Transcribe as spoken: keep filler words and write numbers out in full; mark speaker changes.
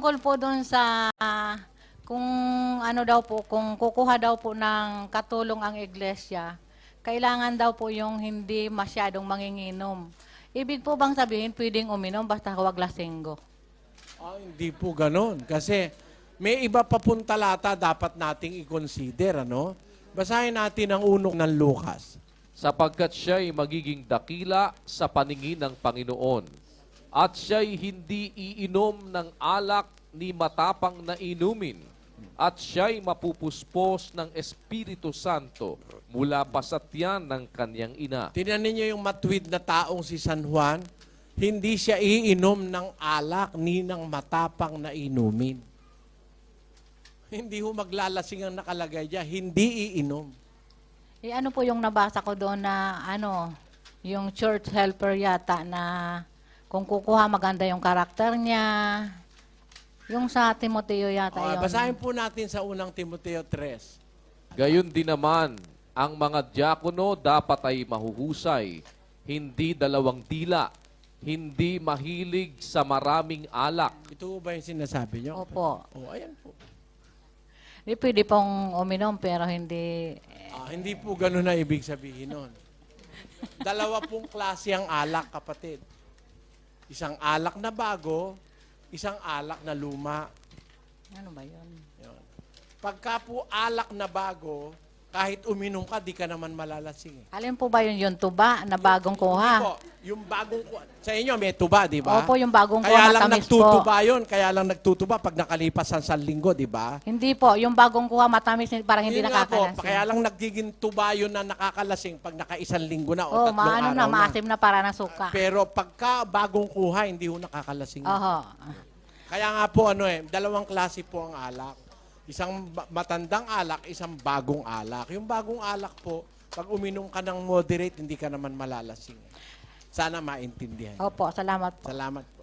Speaker 1: Tungkol po doon sa kung ano daw po, kung kukuha daw po ng katulong ang iglesia, kailangan daw po yung hindi masyadong manginginom. Ibig po bang sabihin pwedeng uminom basta huwag lasenggo?
Speaker 2: Ah, hindi po ganon. Kasi may iba pa pong talata dapat nating i-consider, ano? Basahin natin ang unong ng Lucas.
Speaker 3: Sapagkat siya'y magiging dakila sa paningin ng Panginoon, at siya'y hindi iinom ng alak ni matapang na inumin, at siya'y mapupuspos ng Espiritu Santo mula pa sa tiyan ng kanyang ina.
Speaker 2: Tingnan ninyo yung matuwid na taong si San Juan, hindi siya iinom ng alak ni ng matapang na inumin. Hindi ho maglalasing ang nakalagay diyan, hindi iinom.
Speaker 1: Eh ano po yung nabasa ko doon na ano, yung church helper yata na kung kukuha maganda yung karakter niya. Yung sa Timoteo yata
Speaker 2: Okay,
Speaker 1: yun.
Speaker 2: basahin po natin sa unang Timoteo three.
Speaker 3: Gayon din naman, ang mga diakono dapat ay mahuhusay, hindi dalawang dila, hindi mahilig sa maraming alak.
Speaker 2: Ito ba yung sinasabi nyo?
Speaker 1: Opo.
Speaker 2: Oh, ayan po.
Speaker 1: Di pwede pong uminom pero hindi...
Speaker 2: Ah, hindi po ganun na ibig sabihin nun. Dalawa pong klase ang alak, kapatid. Isang alak na bago, isang alak na luma.
Speaker 1: Ano ba yun?
Speaker 2: Yun. Pagka po alak na bago, kahit uminom ka, di ka naman malalasing. Eh.
Speaker 1: Alin po ba yun yung tuba na bagong kuha?
Speaker 2: Hindi po, yung bagong kuha. Sa inyo, may tuba, di ba?
Speaker 1: Opo, yung bagong
Speaker 2: Kaya
Speaker 1: kuha
Speaker 2: lang
Speaker 1: matamis
Speaker 2: nagtutuba
Speaker 1: po.
Speaker 2: yun. Kaya lang nagtutuba pag nakalipas ang isang linggo, di ba?
Speaker 1: Hindi po, yung bagong kuha matamis parang hindi
Speaker 2: Yun nga po,
Speaker 1: nakakalasing.
Speaker 2: kaya lang nagiging tuba yun na nakakalasing pag naka-isang linggo na o
Speaker 1: Oh,
Speaker 2: tatlong
Speaker 1: maano
Speaker 2: araw
Speaker 1: na, maasim na para ng suka.
Speaker 2: Pero pagka bagong kuha, hindi ho nakakalasing.
Speaker 1: Oho.
Speaker 2: Kaya nga po, ano eh, dalawang klase po ang alak. Isang ba- matandang alak, isang bagong alak. Yung bagong alak po, pag uminom ka ng moderate, hindi ka naman malalasing. Sana maintindihan.
Speaker 1: Opo, salamat po.
Speaker 2: Salamat po.